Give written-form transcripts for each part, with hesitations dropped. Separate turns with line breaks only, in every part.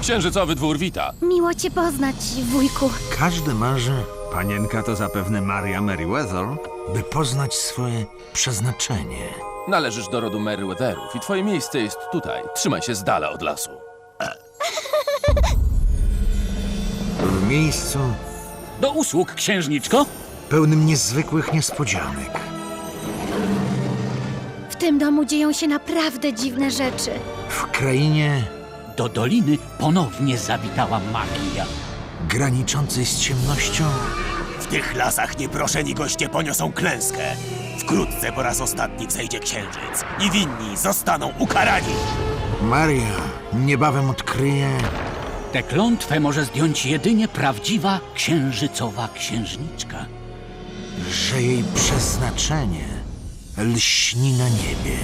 Księżycowy dwór wita.
Miło cię poznać, wujku.
Każdy marzy, panienka to zapewne Maria Merryweather, by poznać swoje przeznaczenie.
Należysz do rodu Merryweatherów i twoje miejsce jest tutaj. Trzymaj się z dala od lasu.
W miejscu
Do usług, księżniczko.
pełnym niezwykłych niespodzianek.
W tym domu dzieją się naprawdę dziwne rzeczy.
W krainie
Do doliny ponownie zawitała magia.
graniczącej z ciemnością
W tych lasach nieproszeni goście poniosą klęskę. Wkrótce po raz ostatni wzejdzie księżyc i winni zostaną ukarani.
Maria niebawem odkryje,
Tę klątwę może zdjąć jedynie prawdziwa księżycowa księżniczka.
że jej przeznaczenie lśni na niebie.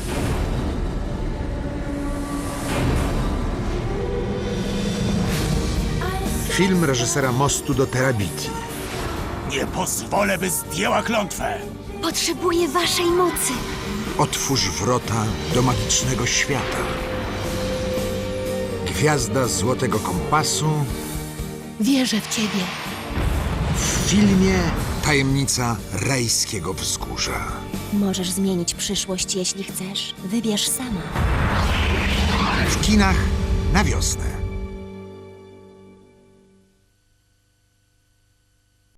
Film reżysera Mostu do Terabiti.
Nie pozwolę, by zdjęła klątwę.
Potrzebuję waszej mocy.
Otwórz wrota do magicznego świata. Gwiazda Złotego Kompasu
Wierzę w ciebie.
w filmie Tajemnica Rajskiego Wzgórza.
Możesz zmienić przyszłość, jeśli chcesz. Wybierz sama.
W kinach na wiosnę.